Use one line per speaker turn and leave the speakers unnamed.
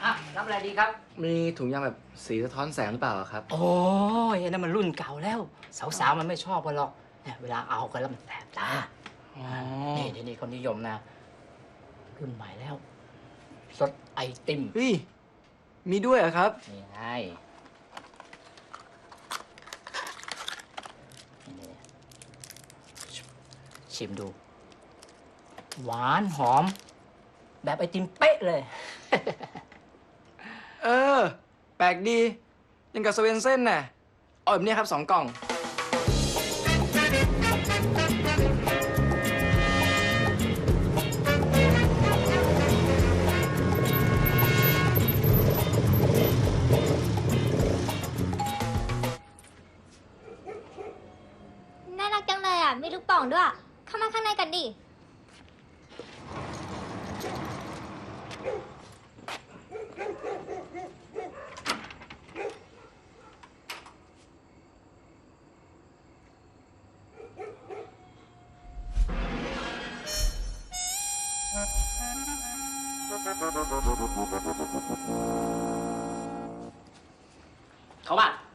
รับอะไรดีครับ
มีถุงยางแบบสีสะท้อนแสงหรือเปล่าครับ
โอ้ยนั่นมันรุ่นเก่าแล้ว สาวๆมันไม่ชอบกันหรอกเนี่ยเวลาเอากันแล้วมันแสบตานี่ทีนี้คนนิยมนะรุ่นใหม่แล้วรสไอติม
เฮ้ยมีด้วยเหรอครับ
นี่ไงนี่ชิมดู หวานหอม แบบไอติมเป๊ะเลย
เออแปลกดียังกับสเวนเซ่นน่ะเอาแบบนี้ครับ2 กล่อง
น่ารักจังเลยอ่ะ มีลูกโป่องด้วย เข้ามาข้างในกันดิ
เขาบ้าน